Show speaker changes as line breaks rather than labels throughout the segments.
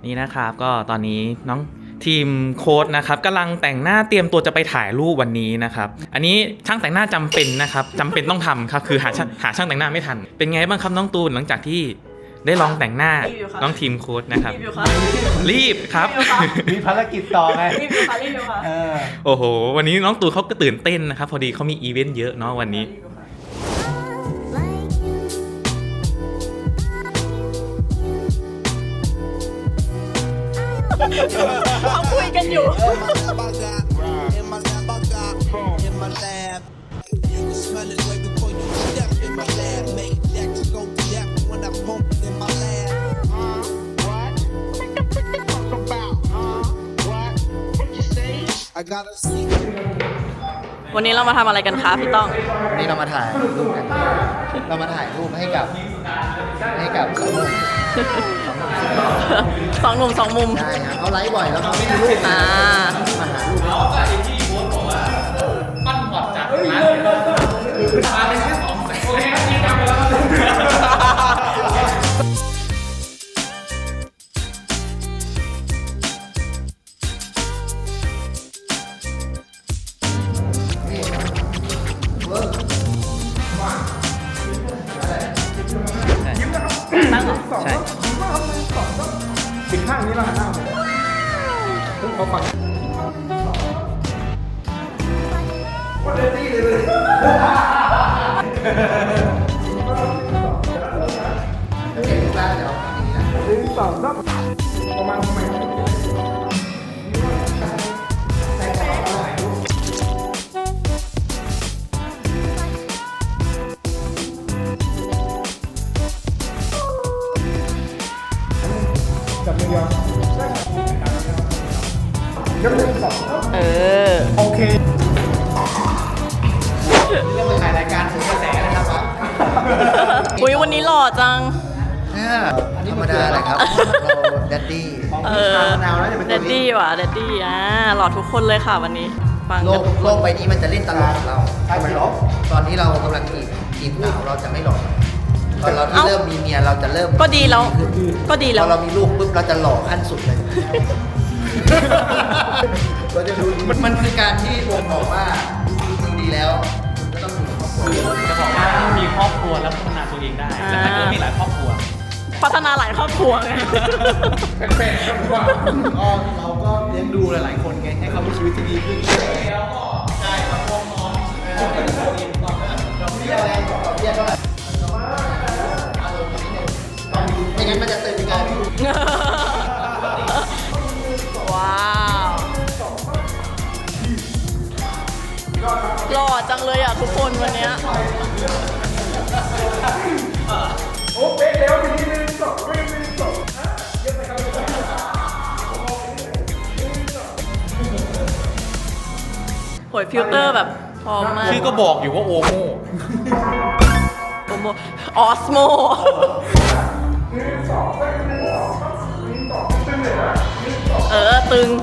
นี่นะครับก็ตอนนี้น้องทีมโค้ดนะครับกำลังแต่งหน้าเตรียมตัวจะไปถ่ายรูปวันนี้นะครับอันนี้ช่างแต่งหน้าจำเป็นนะครับจำเป็นต้องทำครับคือหาช่างแต่งหน้าไม่ทันเป็นไงบ้างครับน้องตูนหลังจากที่ได้ลองแต่งหน้าน้องทีมโค้ดนะครับรีบครับ
มีภารกิจต่อไง
รีวิวค่ะรีวิวค่ะ
โอ้โหวันนี้น้องตูนเขาก็ตื่นเต้นนะครับพอดีเขามีอีเวนต์เยอะเนาะวันนี้
เขาคุยกันอยู่ วันนี้เรามาทำอะไรกันคะพี่ต้อง
วันนี้เรามาถ่ายรูปกัน เรามาถ่ายรูปให้กับสองหนุ่ม
สองหนุ่มสองมุม
ใช่ครับเขาไลฟ์บ่อยแล้วเขาไม่มีรูปมาหารูป
ปั้นพอดจากร้านมาเป็นแค่2 แสนโอเคครับนี่ทำไปแล้ว
ตั้งเหรอ
ใช่
ปิดข้างนี้แล้วหันหน้าไปเขาฟังวันเดตี้เลยเก่งมากเดี๋ยวประมาณ
เออ
โอเคเรื่องมาถ่ายรายการถึงกระแสนะครับ
อุ้ยวันนี้หล่อจัง
ธรรมดาแหละครับ เราแดดดี้
เออเดดดี้ว่ะเดดดี้หล่อทุกคนเลยค่ะวันนี้ ฟัง
โล
กัน
ก
ทุกค
โล
น
กใบนี้มันจะเล่นตลกกับเราใช่ไหมลบตอนที่เรากำลังจีบสาวเราจะไม่หลอกตอนเราที่เริ่มมีเมียเราจะเริ่ม
ก็ดีแล้ว ก็ดี
พ
แล้
อ
ว
เรามีลูกปุ๊บเราจะหล่อขั้นสุดเลยเราจะดูมันคือการที่ผมบอกว่าจริงๆดีแล้วคุณก็ต้องอยู่กับครอบครัว
จะบอกว่ามีครอบครัวแล้วพัฒนาตัวเองได้แต่ถ้าเกิดมีหลายครอบครัว
พัฒนาหลายครอบครัวไง
แปลกๆครับว่าก็เราก็เลี้ยงดูหลายๆคนไงให้เขามีชีวิตที่ดีขึ้นแล้วก็ใช่ครับพ่อน้องดอกเบี้ยอะไรดอกเบี้ยเท่าไหร่อารมณ์นิดนึงไม่งั้นมันจะเติมไปกัน
ว้าวหล่อจังเลยอ่ะทุกคนวันเนี้ยโหยฟิลเตอร์แบบพร้อมมาก
ชื่อก็บอกอยู่ว่าโอโม
โอโมออสโมตึง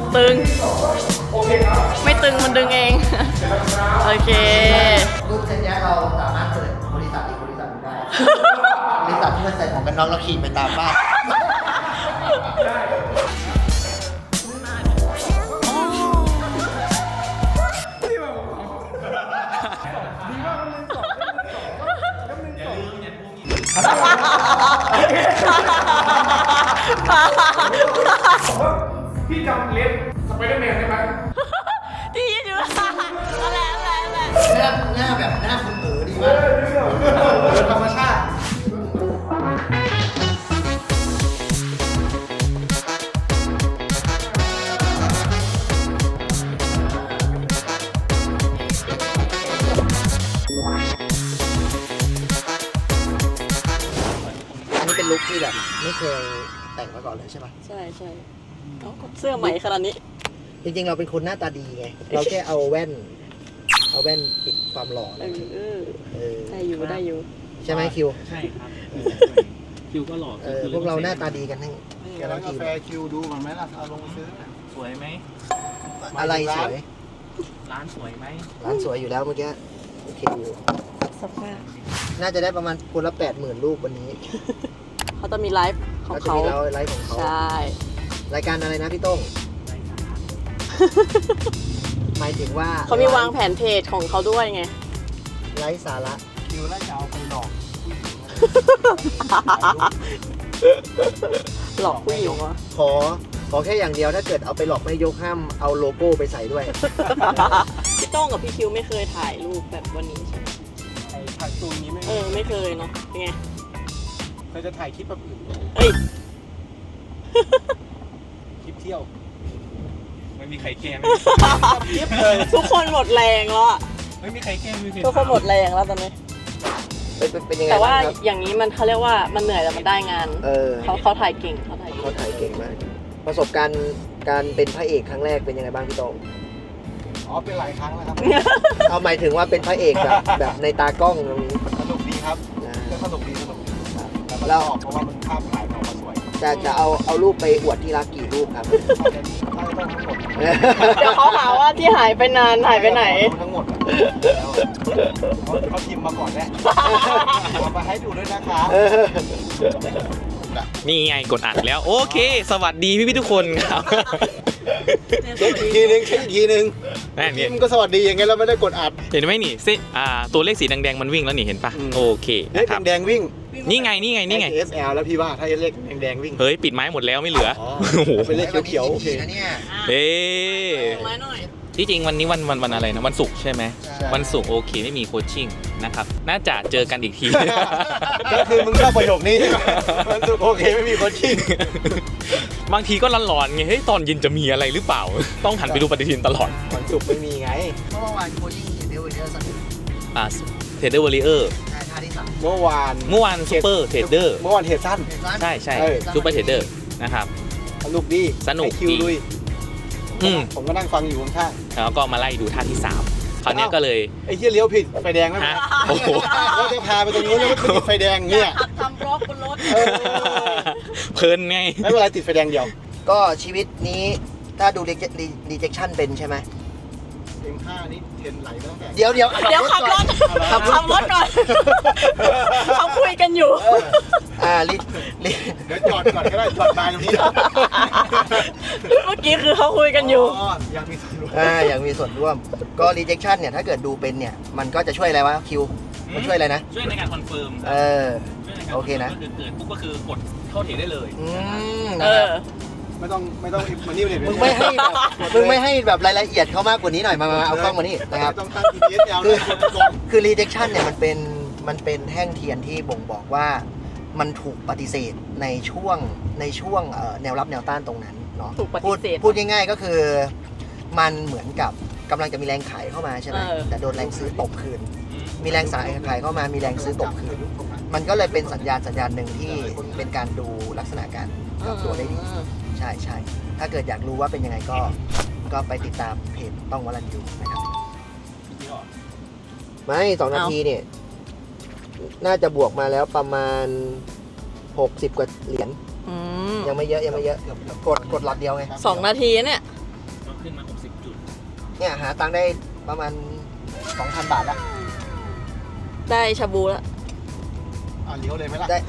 ไม่ตึงมันดึงเอง โอเค
รูปเช่นนี้เราสามารถเปิดบริษัทอีกบริษัทหนึ่งได้บริษัทที่มันใส่ของกันน็อกแล้วขี่ไปตามบ้าน
พี่จำเล็บสไปเดอร์แมนได้ไหม
ที่ยืนอยู่อะไร
หน้าแบบหน้าคุณเอ๋อดีมากธรรมชาติอันนี้เป็นลุคที่แบบไม่เคยแต่งมาก่อนเลยใช่ไหม
ใช่เสื้อใหม่ขนาดนี้
จริงๆเราเป็นคนหน้าตาดีไง เราแค่เอาแว่นปิดความหล่ออะไรอย่างเงี้ย
ได้อยู่
ใช่ไหมคิว
ใช่ครับคิวก็หล่อ
พวกเราหน้าตาดีกันทั้ง
ร้านกาแฟคิวดูก่อนไหมล่ะเอาลงซื้อ
สวยไหม
อะไรสวย
ร้านสวยไหม
ร้านสวยอยู่แล้วเมื่อกี้โอเคอยู่
สภาพ
น่าจะได้ประมาณคนละ 80,000 รูปวันนี้
เขาจะมีไลฟ์ของ
ก็จะ
เขา
มีไลฟ์ของเขา
ใช่
รายการอะไรนะพี่โต้ง หมายถึงว่า
เขามีวางแผนเพจของเขาด้วยไง
ไร้สาระ
คิวไล่จะเอาไปหลอก
หลอกผู้หญิงวะ
ขอแค่อย่างเดียวถ้าเกิดเอาไปหลอกไม่ยกห้ามเอาโลโก้ไปใส่ด้วย
พี่โต้งกับพี่คิวไม่เคยถ่ายรูปแบบวันนี้ใช่ไหม
ไอ้ถ่ายตูนนี้ไม่
ไม่เคยเนาะเป็นไง
เคยจะถ่ายคลิปแบบอื่น
เอ้ย
คลิปเที่ยว
ไม่มีใครแก้ม
คลิปเลย
ทุกคนหมดแรงแล้วอะ
ไม่มีใครแก้มไม่มีใคร
ทุกคนหมดแรงแล้วตอนนี้
เป็นยังไง
แต่ว่า
บ้างครับ
อย่างนี้มันเขาเรียกว่ามันเหนื่อยแต่มันได้งาน เขาถ่ายเก่งเขาถ่ายเก่ง
เขาถ่ายเก่งมาก ประสบการณ์การเป็นพระเอกครั้งแรกเป็นยังไงบ้างพี่โต้ง
อ๋อเป็นหลายครั้งแล้วครับ
เอาหมายถึงว่าเป็นพระเอกแบบในตากล้องตรงนี้
สนุกดีครับ
นะ
ก็สนุกดีแต่มัน
เรา
ออกเพราะว่ามันภาพถ่ายออกมาสวย
จะเอารูปไปอวดที่รักกี่รูปครับ
เอาแค่นี้ถ้าจะต้องทั้งหมด
เดี๋ยวเขาหาว่าที่หายไปนานหายไปไหน
ทั้งหมดอะเขาพิมพ์มาก่อนแล้วเอามาให้ดูด้วยนะคะ
นี่ไงกดอัดแล้วโอเค สวัสดีพี่ทุกคนครับ
เช็คอีกทีนึงเช็คอีกทีนึง
นั่นเนี่ย
มันก็สวัสดีอย่างไงเราไม่ได้กดอัด
เห็นไหมนี่ตัวเลขสีแดงๆมันวิ่งแล้วนี่เห็นปะ
อืม
โอเค
เลข
นะครับ
แดงๆวิ่ง
นี่ไง
SL แล้วพี่ว่าถ้าเลขแดงๆวิ่ง
เฮ้ยปิดไม้หมดแล้วไม่เหลือ
อ๋อ
โอ้โห
เป็นเลขเขียวๆโอเค
นะเนี่ย
เอ๊ะ
ไม้หน่อย
ที่จริงวันนี้วันอะไรนะวันศุกร์ใช่ไหม
ใช่
วันศุกร์โอเคไม่มีโคชชิ่งนะครับน่าจะเจอกันอีกที
ก็คือมึงชอบประโยคนี้ใช่ไหมมันสุดโอเคไม่มีคนชิง
บางทีก็ร้อนๆไงเฮ้ยตอนเย็นจะมีอะไรหรือเปล่า ต้องหันไปดูปฏิทินตลอด
วันศุกร์ไม่มีไง
เมื่อวานโคดิ้งเห็นเดวิดเดอร์สัน
เทรดเดอร์วอริเออร์
ท่าที่3
เมื่อวาน
เมื่อวานซูเปอร์เทรดเดอร์
เมื่อวานเทรดสั้น
ใช่
เออ
ซูเปอร์เทรดเดอร์นะครับ
สนุกดี
สนุก
ให้คิว
ดี
ลุย
อืม
ผมก็นั่งฟังอยู่ข้าง
แล้วก็มาไล่ดูท่าที่3คราวเนี้ยก็เลย
ๆไอ้เหี้ยเลี้ยวผิดไฟแดงไหม
ฮะโอ้โห
เราจะพาไปตรงนู้นแล้วมันติดไฟแดงเนี่ย
ขับทำบล็อกบนรถ
เออ
เพลินไง
ไม่เป็นไรติดไฟแดงเดียว
ก็ชีวิตนี้ถ้าดู rejection เป็นใช่ไหม
M5 นี่เทรนไหลตั้งแต่
เดี๋ยว
เดี๋ยวขับรถ
ขับรถ
ขับรถก่อน เขาคุยกันอยู่
ลิ
เดี๋ยวจอดก่อนก็ได้จอดบายตรงนี้
เมื่อกี้คือเขาคุยกันอยู่
อ๋อยังมีส่วนร่วม
อย่างมีส่วนร่วม ก็ rejection เนี่ยถ้าเกิดดูเป็นเนี่ย มันก็จะช่วยอะไรวะคิว มันช่วยอะไรนะ
ช่วยในการคอนเฟิร์ม
โอเคนะ
เกิดปุ๊บก็คือกดเข้าเทรดได้เลย
เออ
ไม่ต้องมานี่เลย
มึงไม่ให้แบบรายละเอียดเขามากกว่านี้หน่อยมาเอากล้องมานี่นะครับ
ต้องตั้ง GPS ยาวด้วยก่อน
คือ rejection เนี่ยมันเป็นแท่งเทียนที่บ่งบอกว่ามันถูกปฏิเสธในช่วงแนวรับแนวต้านตรงนั้นเนาะ
ถูกปฏิเสธ
พูดง่ายๆก็คือมันเหมือนกับกำลังจะมีแรงขายเข้ามาใช่ไหม
เออ
แต่โดนแรงซื้อตบคืน มีแรงขายเข้ามามีแรงซื้อตบคืน มันก็เลยเป็นสัญญาณหนึ่งที่เป็นการดูลักษณะการปรับตัวได้ดี ใช่ถ้าเกิดอยากรู้ว่าเป็นยังไงก็ไปติดตามเพจต้องวรันยูนะครับไม่2 นาทีเนี่ย น่าจะบวกมาแล้วประมาณ 60 กว่าเหรียญ
อืม
ยังไม่เยอะกดหลักเดียวไง
2 นาทีเนี่ย
ก็ขึ้นมา60จุด
เนี่ยหาตังค์ได้ประมาณ 2,000 บาทละ
ได้ชาบูแล้ว
เลี้ยวเลยไหมล่ะ
ได้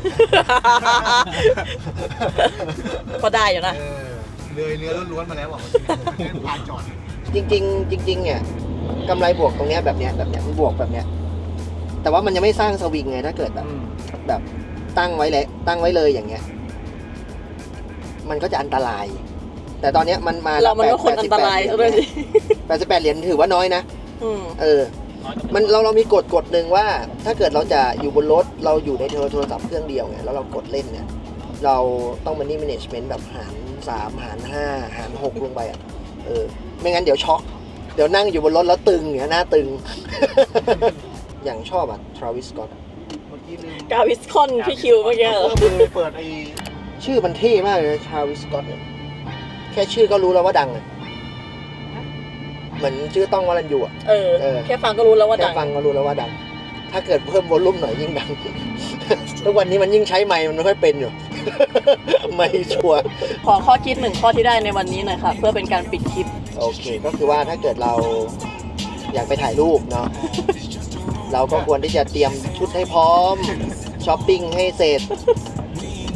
ก็ได้อยู่นะ
เลยเนื้อล้วนๆมาแล้วอ่ะผ่านจอด
จริงเนี่ยกำไรบวกตรงเนี้ยแบบเนี้ยมันบวกแบบเนี้ยแต่ว่ามันยังไม่สร้างสวิงไงถ้าเกิดแบบตั้งไว้เลยอย่างเงี้ยมันก็จะอันตราย แต่ตอนเนี้ยมันมา
เรามันก็คนอันตรายซะด้วยสิ
88 เหรียญถือว่าน้อยนะ
อืม
มันเรามีกฎหนึ่งว่าถ้าเกิดเราจะอยู่บนรถเราอยู่ในโทรศัพท์เครื่องเดียวไงแล้วเรากดเล่นเนี่ยเราต้องมันนี่ management แบบหาร3หาร5หาร6ลงไปอ่ะไม่งั้นเดี๋ยวช็อกเดี๋ยวนั่งอยู่บนรถแล้วตึงเนี่ยหน้าตึง อย่างชอบอ่ะ Travis Scott
เมื่อกี้ลืม
กาวิสคอนพี่คิวเมื่อกี้เหรอ
เปิดไอ้
ชื่อมันเท่มากเลยนะ Travis Scott เนี่ยแค่ชื่อก็รู้แล้วว่าดังเลยเหมือนชื่อต้องวรัญยูอ่ะ
แค่ฟังก็รู้แล้วว่า
แค่
ดัง
ฟังก็รู้แล้วว่าดัง ถ้าเกิดเพิ่มวอลลุ่มหน่อยยิ่งดัง ทุกวันนี้มันยิ่งใช้ไมค์มันไม่ค่อยเป็นอยู่ ไม่ชัวร์
ขอข้อคิด1 ข้อที่ได้ในวันนี้หน่อยค่ะ เพื่อเป็นการปิดคลิป
โอเค ก็คือว่าถ้าเกิดเราอยากไปถ่ายรูปเนาะ เราก็ควรที่จะเตรียมชุดให้พร้อม ช้อปปิ้งให้เสร็จ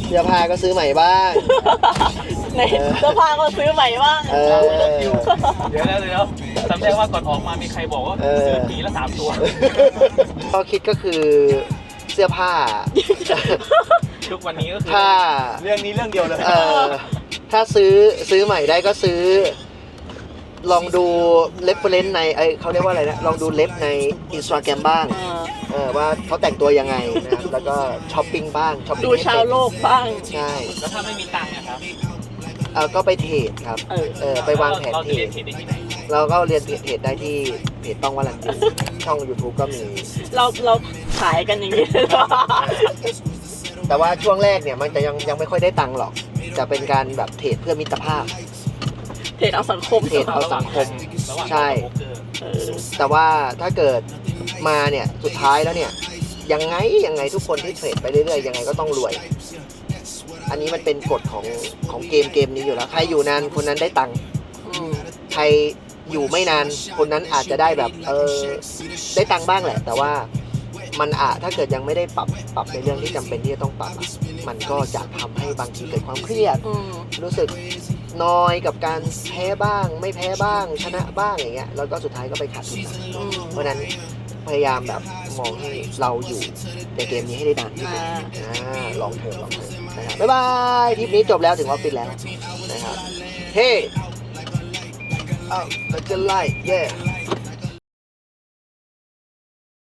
เสื้อผ้าก็ซื้อใหม่บ้าง
ในเสื้อผ้าก็ซื้อใหม่บ้าง
เออ
เดี๋ยวจำได้ว่าก่อนออกมามีใครบอกว่าซื้อปีละ3 ตัว
ข้อคิดก็คือเสื้อผ้า
ทุกวันนี้ก็คือ
ถ้า
เรื่องนี้เรื่องเดียวเลย
ถ้าซื้อใหม่ได้ก็ซื้อ ลองดูเรฟเฟรนซ์ในเขาเรียกว่าอะไรนะลองดูเล็บใน Instagram บ้าง ว่าเขาแต่งตัวยังไงนะครับแล้วก็ช้อปปิ้งบ้างช้อปปิ้ง
ดูชาวโลกบ้าง
ใช่
แล้วถ้าไม่มีตังค์นะครับ
ก็ไปเทรดครับไปวางแผน
เรา
เท
จะ
ร
เรีย
ด
นเทรดได้ที่ไหน
เราก็เรียนเทรดได้ที่เพจต้องวารันตีช่อง YouTube ก็มี
เราขายกันอย่างนี้เลยเหรอ
แต่ว่าช่วงแรกเนี่ยมันจะยังไม่ค่อยได้ตังค์หรอก จะเป็นการแบบเทรดเพื่อมิตรภาพ
เทรดเอาสังคม
เทรดเอาสังคม
ระหว่าง
ใช่
โบรกเกอร์
แต่ว่าถ้าเกิดมาเนี่ยสุดท้ายแล้วเนี่ยยังไงทุกคนที่เทรดไปเรื่อยๆยังไงก็ต้องรวย อันนี้มันเป็นกฎของเกมนี้อยู่แล้วใครอยู่นานคนนั้นได้ตังค์ ใครอยู่ไม่นานคนนั้นอาจจะได้แบบได้ตังค์บ้างแหละ แต่ว่ามันถ้าเกิดยังไม่ได้ปรับในเรื่องที่จำเป็นที่จะต้องปรับมันก็จะทำให้บางทีเกิดความเครียด รู้สึกนอยกับการแพ้บ้าง ไม่แพ้บ้างชนะบ้างอย่างเงี้ยแล้วก็สุดท้ายก็ไปขาดทุนเพราะฉะนั้นพยายามแบบมองให้เราอยู่ในเกมนี้ให้ได้นานที่สุดลองเถอะนะครับบ๊ายบายทริปนี้จบแล้วถึงออฟฟิศแล้วนะครับเฮ้ เราจะไล่ yeah